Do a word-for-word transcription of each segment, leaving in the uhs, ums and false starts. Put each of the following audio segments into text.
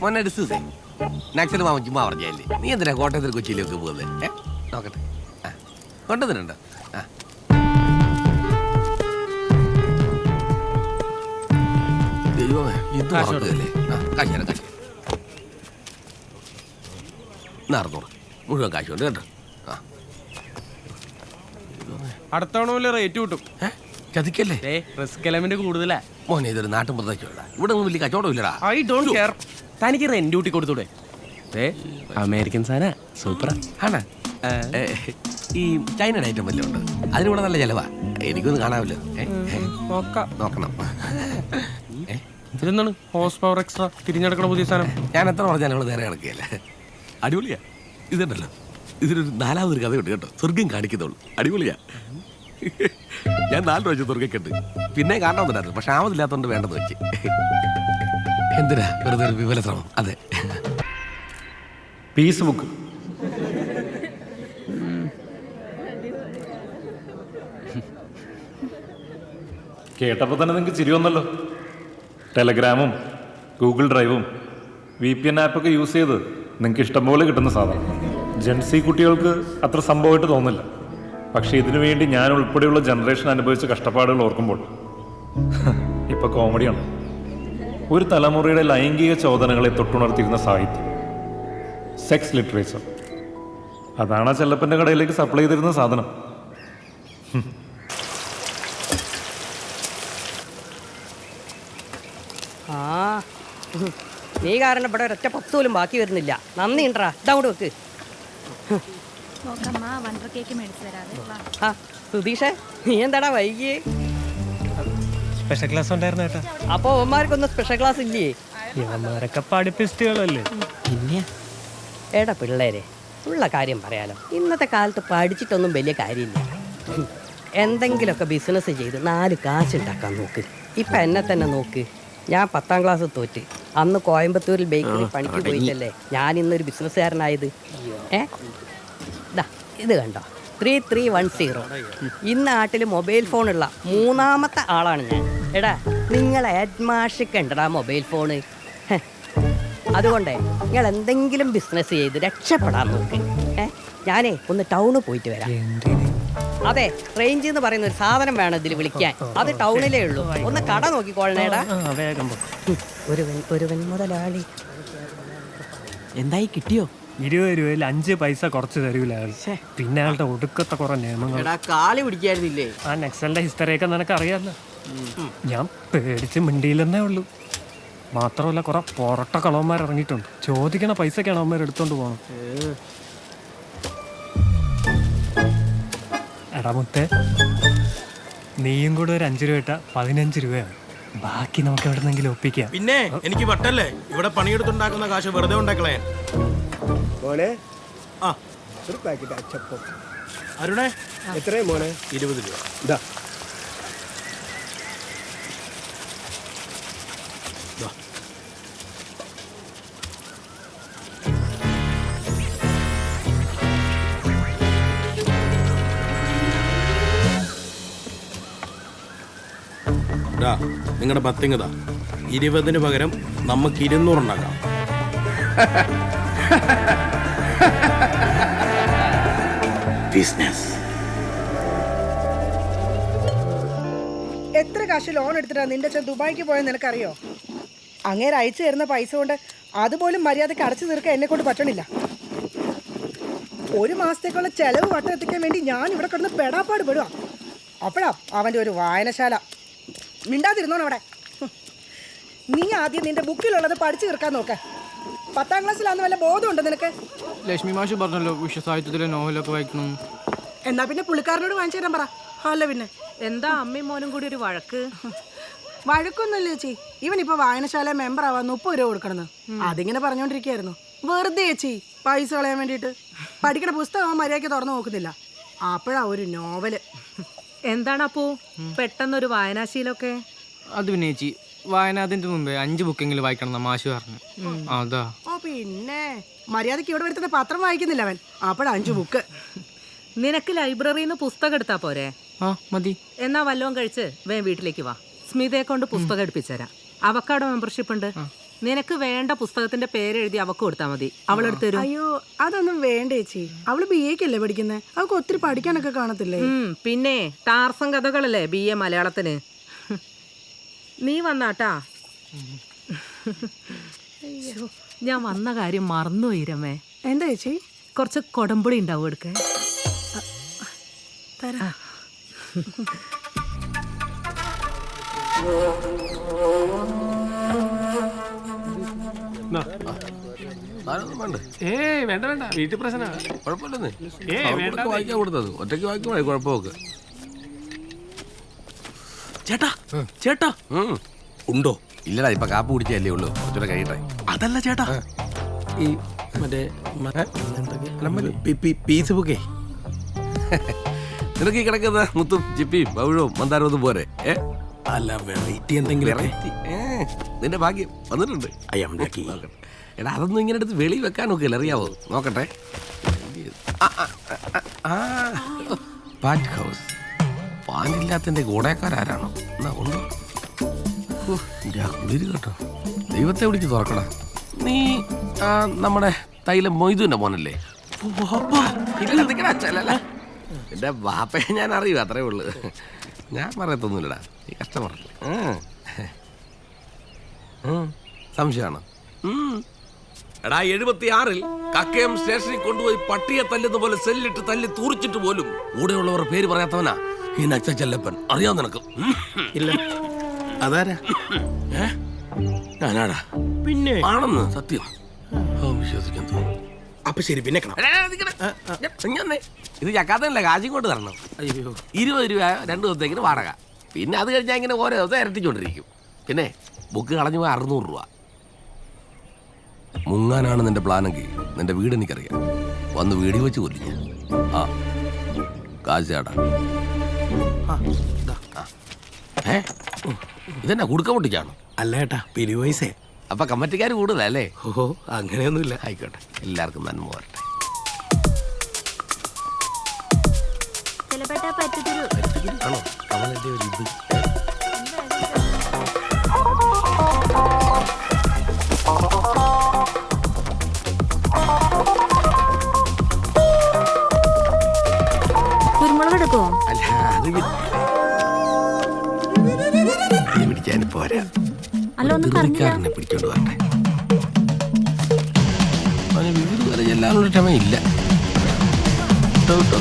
മോനെ ഡിസ്യൂസേ നാക്സൽ മാമൻ ചുമ്മാ പറഞ്ഞല്ലേ നീ എന്തിനാ കോട്ടയത്തിൽ കൊച്ചിയിലേക്ക് പോകുന്നത്? ഏ നോക്കട്ടെ, ആ കൊണ്ടുവന്നിട്ടുണ്ട്. ആ ദൈവമേ ഇത് മറക്കുകയല്ലേ. ആ കാശ് തരാം, കാശ് അറുന്നൂറ് മുഴുവൻ കാശുണ്ട് കേട്ടോ. ആ അടുത്ത തവണ പോലെ റേറ്റ് കിട്ടും. ഏ ചതിക്കല്ലേ, റിസ്ക് എലമെന്റ് കൂടുതലാ മോനെ. ഇതൊരു നാട്ടും പ്രദേശമുള്ള ഇവിടെ ഒന്നും വലിയ കച്ചവടം ഇല്ലടാ. I don't care. തനിക്ക് റെന്റ് കൂട്ടി കൊടുത്തൂടെ? അമേരിക്കൻ സാധന സൂപ്പറാ. ആണോ? ഈ ചൈനയുടെ ഐറ്റം വല്ലതും ഉണ്ട്? അതിനിവിടെ നല്ല ചെലവാ. എനിക്കൊന്നും കാണാമല്ലോ. നോക്കണം. ഇതെന്താണ് ഹോഴ്സ് പവർ എക്സ്ട്രാ തിരിഞ്ഞെടുക്കണ പുതിയ സാധനം? ഞാൻ എത്ര പറഞ്ഞാൽ ഇവിടെ നേരെ കിടക്കുകയല്ലേ. അടിപൊളിയാ ഇതുണ്ടല്ലോ. ഇതിനൊരു നാലാമതൊരു കഥയുണ്ട് കേട്ടോ. സ്വർഗം കാണിക്കുന്നുള്ളൂ. അടിപൊളിയാ. ഞാൻ നാല് പ്രാവശ്യം സ്വർഗ്ഗക്കുണ്ട്. പിന്നെ കാണണമെന്നുണ്ടായിരുന്നു, പക്ഷെ ആമതില്ലാത്തതുകൊണ്ട് വേണ്ടെന്ന് വെച്ച്. എന്തിനാ വെറുതെ ഒരു വിപുല ശ്രമം. അതെ, പീസ് ബുക്ക്. കേട്ടപ്പോൾ തന്നെ നിങ്ങൾക്ക് ചിരി വന്നല്ലോ. ടെലഗ്രാമും ഗൂഗിൾ ഡ്രൈവും വി പി എൻ ആപ്പൊക്കെ യൂസ് ചെയ്ത് നിങ്ങൾക്ക് ഇഷ്ടംപോലെ കിട്ടുന്ന സാധനം. ജെൻസി കുട്ടികൾക്ക് അത്ര സംഭവമായിട്ട് തോന്നില്ല. പക്ഷെ ഇതിനു വേണ്ടി ഞാൻ ഉൾപ്പെടെയുള്ള ജനറേഷൻ അനുഭവിച്ച കഷ്ടപ്പാടുകൾ ഓർക്കുമ്പോൾ ഇപ്പൊ കോമഡിയാണ്. ഒരു തലമുറയുടെ ലൈംഗിക ചോദനകളെ തൊട്ടുണർത്തിയിരുന്ന സാഹിത്യം, സെക്സ് ലിറ്ററേച്ചർ, അതാണ് ആ ചെല്ലപ്പൻ്റെ കടയിലേക്ക് സപ്ലൈ ചെയ്തിരുന്ന സാധനം. ആ നീ കാരണം ഇവിടെ ഒരൊറ്റ പത്ത് പോലും ബാക്കി വരുന്നില്ല. നന്ദി ഉണ്ടറാ. ഇതങ്ങോട്ട് വെക്ക്. ആ സുധീഷേ, നീ എന്താടാ വൈകിയേ? സ്പെഷ്യൽ ക്ലാസ് ഉണ്ടായിരുന്നു കേട്ടോ. അപ്പൊ അവന്മാർക്കൊന്നും സ്പെഷ്യൽ ക്ലാസ് ഇല്ലേ? ഇവന്മാരൊക്കെ പഠിപ്പിസ്റ്റുകളല്ലേ. പിന്നെ ഏടാ പിള്ളേരെ, ഉള്ള കാര്യം പറയാലോ. ഇന്നത്തെ കാലത്ത് പഠിച്ചിട്ടൊന്നും വലിയ കാര്യമില്ല. എന്തെങ്കിലുമൊക്കെ ബിസിനസ് ചെയ്ത് നാല് കാശുണ്ടാക്കാൻ നോക്ക്. ഇപ്പം എന്നെ തന്നെ നോക്ക്. ഞാൻ പത്താം ക്ലാസ് തോറ്റ്. അന്ന് കോയമ്പത്തൂരിൽ ബേക്കറി പണിക്ക് പോയിട്ടല്ലേ ഞാൻ ഇന്നൊരു ബിസിനസ്സുകാരനായത്. ഏ ഇതാ ഇത് കണ്ടോ, ത്രീ ത്രീ വൺ സീറോ. ഈ നാട്ടിൽ മൊബൈൽ ഫോണുള്ള മൂന്നാമത്തെ ആളാണ് ഞാൻ. എടാ നിങ്ങളെ ഹെഡ്മാഷൊക്കെ ഉണ്ടടാ മൊബൈൽ ഫോണ്. അതുകൊണ്ടേ നിങ്ങൾ എന്തെങ്കിലും ബിസിനസ് ചെയ്ത് രക്ഷപ്പെടാൻ നോക്ക്. ഏ ഞാനേ ഒന്ന് ടൗണിൽ പോയിട്ട് വരാം. അതെ, റേഞ്ച് എന്ന് പറയുന്ന ഒരു സാധനം വേണം ഇതിൽ വിളിക്കാൻ. അത് ടൗണിലേ ഉള്ളൂ. ഒന്ന് കട നോക്കിക്കോളണേടാ. ഒരുവൻ ഒരുവൻ മുതലാളി. എന്തായി കിട്ടിയോ? ഇരുപത് രൂപയിൽ അഞ്ച് പൈസ കുറച്ച് തരൂല അയാൾ. പിന്നെ അയാളുടെ ഒടുക്കത്തെ കുറെ നിയമങ്ങൾ. കാളി പിടിക്കായിരുന്നില്ലേ? ആ നെക്സലിന്റെ ഹിസ്റ്ററിയൊക്കെ നിനക്ക് അറിയാമല്ലോ. ഞാൻ പേടിച്ച് മിണ്ടിയില്ലെന്നേ ഉള്ളൂ. മാത്രമല്ല കുറെ പൊറട്ട കളവന്മാർ ഇറങ്ങിയിട്ടുണ്ട്. ചോദിക്കണ പൈസക്കാണ് അവന്മാർ എടുത്തോണ്ട് പോകണം. എടാ മുത്തേ, നീയും കൂടെ ഒരു അഞ്ചു രൂപ ഇട്ട പതിനഞ്ച് രൂപയാണ്. ബാക്കി നമുക്ക് എവിടെന്നെങ്കിലും ഒപ്പിക്കാം. പിന്നെ എനിക്ക് വട്ടല്ലേ ഇവിടെ പണിയെടുത്തുണ്ടാക്കുന്ന കാശ് വെറുതെ ഉണ്ടാക്കളേ. മോനെ ആ ഒരു പാക്കറ്റ് അച്ചപ്പം. അരുണേ എത്രയും മോനെ? ഇരുപത് രൂപ. ഇതാ നിങ്ങളുടെ പത്തിങ്ങതാ. ഇരുപതിന് പകരം നമുക്ക് ഇരുന്നൂറുണ്ടാക്കാം. ബിസിനസ്. എത്ര കാശ് ലോൺ എടുത്തിട്ടാ നിന്റെ അച്ഛൻ ദുബായിക്ക് പോയെന്ന് നിനക്കറിയോ? അങ്ങേര് അയച്ചു തരുന്ന പൈസ കൊണ്ട് അതുപോലും മര്യാദക്ക് അടച്ചു തീർക്കാൻ എന്നെ കൊണ്ട് പറ്റണില്ല. ഒരു മാസത്തേക്കുള്ള ചെലവ് വട്ടം എത്തിക്കാൻ വേണ്ടി ഞാൻ ഇവിടെ കിടന്ന് പെടാപ്പാട് പെടുക. അപ്പോഴാ അവൻ്റെ ഒരു വായനശാല. മിണ്ടാതിരുന്നോണം അവിടെ. നീ ആദ്യം നിന്റെ ബുക്കിലുള്ളത് പഠിച്ചു തീർക്കാൻ നോക്ക. പത്താം ക്ലാസ്സിലാന്ന് വല്ല ബോധമുണ്ടോ നിനക്ക്? ലക്ഷ്മി മാഷ് പറഞ്ഞല്ലോ വിശ്വസാഹിത്യത്തിലെ നോവലൊക്കെ വായിക്കണം. എന്നാ പിന്നെ പുള്ളിക്കാരനോട് വാങ്ങിച്ചു തരാൻ പറ. അല്ല പിന്നെ എന്താ അമ്മയും മോനും കൂടി ഒരു വഴക്ക്? വഴക്കൊന്നുമില്ല ചേച്ചി. ഇവനിപ്പോ വായനശാല മെമ്പർ ആവാൻ മുപ്പത് രൂപ കൊടുക്കണമെന്ന് അതിങ്ങനെ പറഞ്ഞോണ്ടിരിക്കായിരുന്നു. വെറുതെ ചേച്ചി പൈസ കളയാൻ വേണ്ടിയിട്ട്. പഠിക്കണ പുസ്തകം മര്യാദയ്ക്ക് തുറന്നു നോക്കുന്നില്ല. അപ്പോഴാ ഒരു നോവല്. എന്താണ് അപ്പോ പെട്ടെന്നൊരു വായനാശീലമൊക്കെ? അത് പിന്നെ ചേച്ചി വായനാതിന്റെ മുമ്പേ അഞ്ച് ബുക്കെങ്കിലും വായിക്കണം മാഷ് പറഞ്ഞു. അതാ. ഓ പിന്നെ മര്യാദയ്ക്ക് ഇവിടെ വരുത്തുന്ന പത്രം വായിക്കുന്നില്ല അവൻ. അപ്പോഴാ അഞ്ചു ബുക്ക്. നിനക്ക് ലൈബ്രറിയിൽ നിന്ന് പുസ്തകം എടുത്താ പോരെ? ആ മതി. എന്നാ വല്ലതും കഴിച്ച് വേ വീട്ടിലേക്ക് വാ. സ്മിതയെ കൊണ്ട് പുസ്തകം എടുപ്പിച്ചുതരാം. അവക്കാടോ മെമ്പർഷിപ്പ് ഉണ്ട്. നിനക്ക് വേണ്ട പുസ്തകത്തിന്റെ പേരെഴുതി അവക്ക് കൊടുത്താൽ മതി, അവളെടുത്ത് തരും. അയ്യോ അതൊന്നും വേണ്ട ചേച്ചി. അവള് ബി എക്കല്ലേ പഠിക്കുന്നത്, അവൾക്ക് ഒത്തിരി പഠിക്കാനൊക്കെ കാണത്തില്ലേ. ഉം, പിന്നെ ടാർസം കഥകളല്ലേ ബി എ മലയാളത്തിന്. നീ വന്നാട്ടാ. അയ്യോ, ഞാൻ വന്ന കാര്യം മറന്നു ഈരമ്മേ. എന്താ ചേച്ചി? കുറച്ച് കൊടമ്പുളി ഉണ്ടാവും എടുക്കാൻ. തരാ. സാധനമൊന്നും വേണ്ട. ഏയ് വേണ്ട വേണ്ട, വീട്ടിൽ പ്രശ്ന. കുഴപ്പമില്ലെന്നേ. ഏയ് വേണ്ട. അവൾക്ക് വായിക്കാൻ കൊടുത്തത് ഒറ്റയ്ക്ക് വായിക്കുമ്പോഴേ കുഴപ്പമൊക്കെ. ചേട്ടാ ചേട്ടാ ഉം. ഉണ്ടോ? ഇല്ലടാ, ഇപ്പൊ കാപ്പ് കുടിച്ചല്ലേ ഉള്ളൂ, കുറച്ചുകൂടെ കഴിയട്ടെ. അതല്ല ചേട്ടാ, ഈ മറ്റേ പീസ് ബുക്കേ നിനക്ക് ഈ കിടക്കുന്ന മുത്തും ചിപ്പിയും പവിഴവും മന്ദാരവും പോരെ? ഏ അല്ല, വെറൈറ്റി എന്തെങ്കിലും. വെറൈറ്റി നിന്റെ ഭാഗ്യം വന്നിട്ടുണ്ട്. അയ്യാക്കി നോക്കട്ടെ. എടാ, അതൊന്നും ഇങ്ങനെ എടുത്ത് വെളി വെക്കാൻ നോക്കില്ല, അറിയാവോ? നോക്കട്ടെ. ആ, ആ, ആ, ആ. പാറ്റ് ഹൗസ്. പാനില്ലാത്തതിന്റെ ഗുണക്കാരാരാണോ? എന്നാ ഉണ്ടോ? ഓ, എൻ്റെ കുളിര് കേട്ടോ. ദൈവത്തെ വിളിച്ച് തുറക്കടാ. നീ ആ, നമ്മുടെ തൈലം മൊയ്തുവിന്റെ മോനല്ലേ? എന്റെ ബാപ്പയെ ഞാൻ അറിയൂ, അത്രേ ഉള്ളു. ഞാൻ പറയത്തൊന്നുമില്ലടാ, നീ കഷ്ടമറല്ലേ. സംശയമാണ്. എടാ, എഴുപത്തി ആറിൽ കക്കയം സ്റ്റേഷനിൽ കൊണ്ടുപോയി പട്ടിയെ തല്ലുന്ന പോലെ സെല്ലിട്ട് തല്ലി തൂറിച്ചിട്ട് പോലും കൂടെയുള്ളവർ പേര് പറയാത്തവനാ ഈ നച്ച ചെല്ലപ്പൻ. അറിയാം നിനക്ക്? ഇല്ല. അതാരാ? ഏ ഞാനാടാ. പിന്നെ ആണെന്ന് സത്യം. ഓ, വിശ്വസിക്കാൻ തോന്നുന്നു. അപ്പൊ ശരി, പിന്നെ കാണാം. ഇത് ചക്കാത്തല്ല, കാശും കൊണ്ട് തരണം. അയ്യോ, ഇരുപത് രൂപ രണ്ട് ദിവസത്തേക്കിന് വാടക. പിന്നെ അത് കഴിഞ്ഞാൽ ഇങ്ങനെ ഓരോ ദിവസം ഇരട്ടിച്ചോണ്ടിരിക്കും. പിന്നെ ബുക്ക് കളഞ്ഞു പോയി അറുന്നൂറ് രൂപ. മുങ്ങാനാണ് നിന്റെ പ്ലാനെങ്കിൽ നിന്റെ വീട് എനിക്കറിയാം. വന്ന് വീടി വെച്ച് കൊല്ലിഞ്ഞ. ആ കാശ് ചേട്ടാ. ഏ ഇതെന്നാ കുടുക്ക പൊട്ടിച്ചാണോ? അല്ല ഏട്ടാ, പിരിവയസേ. അപ്പൊ കമ്മറ്റിക്കാർ കൂടുതലല്ലേ? ഓഹോ, അങ്ങനെയൊന്നുമില്ല. ആയിക്കോട്ടെ, എല്ലാവർക്കും നന്മ വരട്ടെ. ആണോ അവനെന്റെ ഒരു ഇത്? കുരുമുളക് എടുക്കുമോ? അല്ല, അത് പിടിക്കാൻ പോരാ. നെ പിടിച്ചോണ്ട് വരട്ടെ. അവന് വീട് വരെ ചെല്ലാനുള്ള ക്ഷമയില്ല കേട്ടോ കേട്ടോ.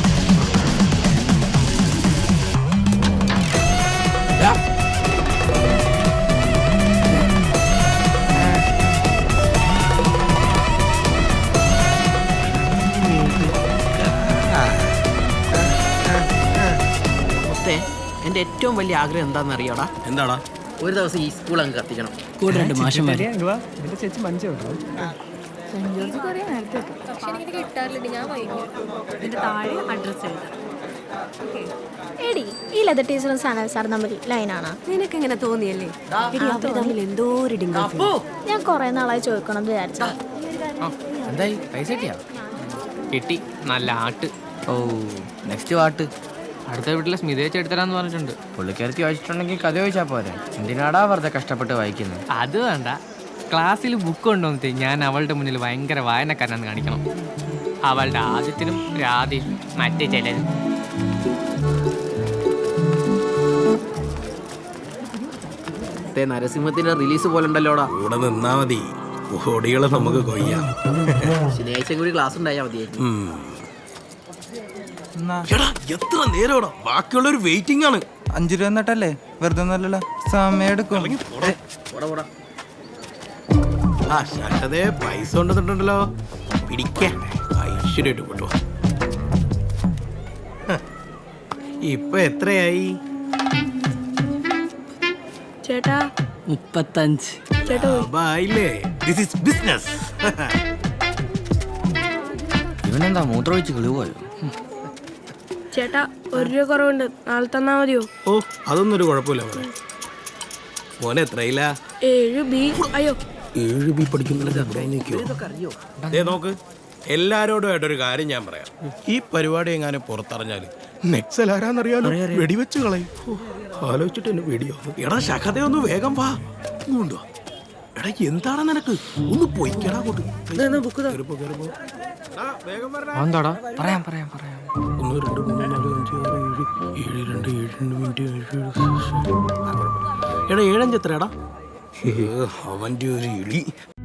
എന്റെ ഏറ്റവും വലിയ ആഗ്രഹം എന്താണെന്ന് അറിയാടാ? എന്താടാ? ഒരു ദിവസം ഈ സ്കൂൾ അങ്ങ് കത്തിക്കണം. കൂടെ രണ്ട് മാഷന്മാര്. എന്റെ ചേച്ചി മഞ്ച കേട്ടോ. എടി, ഈ ലെതർ ടീച്ചറും സാന സാർ തമ്മിൽ ലൈനാണ്. നിനക്ക് എങ്ങനെ തോന്നിയല്ലേ? എന്തോ ഒരു ഞാൻ കൊറേ നാളായി ചോദിക്കണം വിചാരിച്ച. എന്തായി, പൈസ കിട്ടിയാ? കിട്ടി, നല്ല ആട്ട്. ഓ, നെക്സ്റ്റ് പാട്ട് അടുത്ത വീട്ടിലെ സ്മിതയെ ചെടുത്തരാന്ന് പറഞ്ഞിട്ടുണ്ട്. പുള്ളിക്കാരത്തി വായിച്ചിട്ടുണ്ടെങ്കിൽ കഥ ചോദിച്ചാൽ പോരെ, എന്തിനാടാ വെറുതെ കഷ്ടപ്പെട്ട് വായിക്കുന്നത്? അത് വേണ്ട, ക്ലാസ്സിൽ ബുക്ക് കൊണ്ടുവന്നിട്ട് ഞാൻ അവളുടെ മുന്നിൽ ഭയങ്കര വായനക്കാരനാന്ന് കാണിക്കണം. അവളുടെ ആദ്യത്തിനും രാധയും മറ്റേ ചിലരും. നരസിംഹത്തിന്റെ റിലീസ് പോലെ ഉണ്ടല്ലോടാ. കൂടെ നിന്നാ മതി, ഓടികളെ നമുക്ക് കൊയ്യാം. ശനിയാഴ്ച കൂടി ക്ലാസ് ഉണ്ടായാൽ മതിയായിരുന്നു. എടാ, എത്ര നേരം ബാക്കിയുള്ളൊരു വെയിറ്റിംഗ് ആണ്. അഞ്ചു രൂപ എന്നിട്ടല്ലേ, വെറുതെ ഒന്നല്ലല്ലോ, സമയം എടുക്കും. ആ ശാരദേ, പൈസ കൊണ്ടുവന്നിട്ടുണ്ടല്ലോ, പിടിക്കാൻ ഐശ്വര്യമായിട്ട് കൊണ്ടു. ഇപ്പൊ എത്രയായി? ചേട്ടാ മുപ്പത്തഞ്ച്. ആയില്ലേ? This is business. ഇവനെന്താ മൂത്രമൊഴിച്ച് കിളിപോയോ? ചേട്ടാ, ഒരു രൂപ കുറവുണ്ട്, നാളെ തന്നാ മതിയോ? ഓ, അതൊന്നും ഒരു കുഴപ്പമില്ല മോനെ. മോനെ എത്രയില്ല? ഏഴ് ബി. അയ്യോ, ഏഴ് ബി പഠിക്കുന്നില്ല. നോക്ക്, എല്ലാരോടും ആയിട്ടൊരു കാര്യം ഞാൻ പറയാം. ഈ പരിപാടി എങ്ങാനും പുറത്തറിഞ്ഞാല് നെക്സൽ ആരാന്നറിയാലോ, വെടിവെച്ച് കളയും. ആലോചിച്ചിട്ട് എന്നെ വെടിയോ. എടാ ശഖതയൊന്ന് വേഗം വാ. കൊണ്ടുവാ. എടാ എന്താണ് നിനക്ക് ഒന്ന് പൊയ്ക്കടാ അങ്ങോട്ട്. ബുക്ക് കേറിപ്പോ, കേറിപ്പോ. എടാ, വേഗം വരണേ. എന്താടാ പറയാം പറയാം പറയാം ഒന്ന് രണ്ട് മൂന്ന് നാല് അഞ്ച് ആറ് ഏഴ് ഏഴ് രണ്ട് ഏഴ് രണ്ട് മിനിറ്റ് ഏഴ് ഏഴ്. എടാ ഏഴഞ്ച് എത്ര എടാ അവൻ്റെ ഒരു ഇളി